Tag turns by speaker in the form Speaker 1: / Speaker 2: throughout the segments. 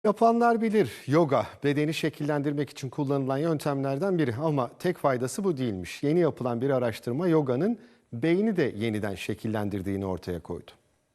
Speaker 1: Yapanlar bilir, yoga bedeni şekillendirmek için kullanılan yöntemlerden biri ama tek faydası bu değilmiş. Yeni yapılan bir araştırma yoganın beyni de yeniden şekillendirdiğini ortaya koydu.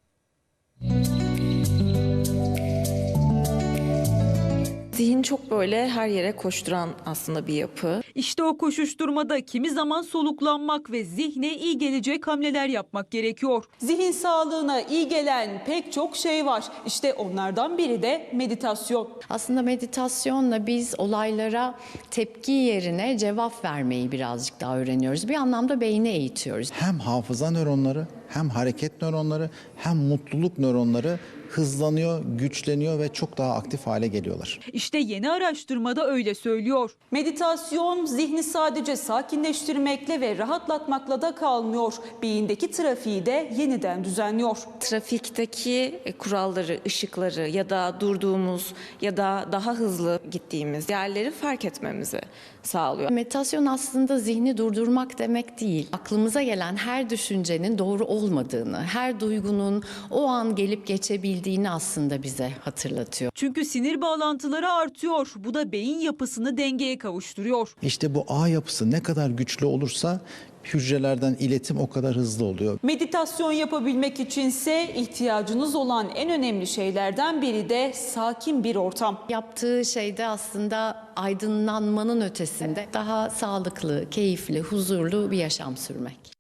Speaker 2: Zihin çok böyle her yere koşturan aslında bir yapı.
Speaker 3: İşte o koşuşturmada kimi zaman soluklanmak ve zihne iyi gelecek hamleler yapmak gerekiyor.
Speaker 4: Zihin sağlığına iyi gelen pek çok şey var. İşte onlardan biri de meditasyon.
Speaker 5: Aslında meditasyonla biz olaylara tepki yerine cevap vermeyi birazcık daha öğreniyoruz. Bir anlamda beyni eğitiyoruz.
Speaker 6: Hem hafıza nöronları, hem hareket nöronları, hem mutluluk nöronları hızlanıyor, güçleniyor ve çok daha aktif hale geliyorlar.
Speaker 3: İşte yeni araştırmada öyle söylüyor.
Speaker 4: Meditasyon zihni sadece sakinleştirmekle ve rahatlatmakla da kalmıyor. Beyindeki trafiği de yeniden düzenliyor.
Speaker 2: Trafikteki kuralları, ışıkları ya da durduğumuz ya da daha hızlı gittiğimiz yerleri fark etmemizi sağlıyor.
Speaker 5: Meditasyon aslında zihni durdurmak demek değil. Aklımıza gelen her düşüncenin doğru olmadığını, her duygunun o an gelip geçebildiğini aslında bize hatırlatıyor.
Speaker 3: Çünkü sinir bağlantıları artıyor. Bu da beyin yapısını dengeye kavuşturuyor.
Speaker 6: İşte bu ağ yapısı ne kadar güçlü olursa hücrelerden iletim o kadar hızlı oluyor.
Speaker 4: Meditasyon yapabilmek içinse ihtiyacınız olan en önemli şeylerden biri de sakin bir ortam.
Speaker 5: Yaptığı şey de aslında aydınlanmanın ötesinde daha sağlıklı, keyifli, huzurlu bir yaşam sürmek.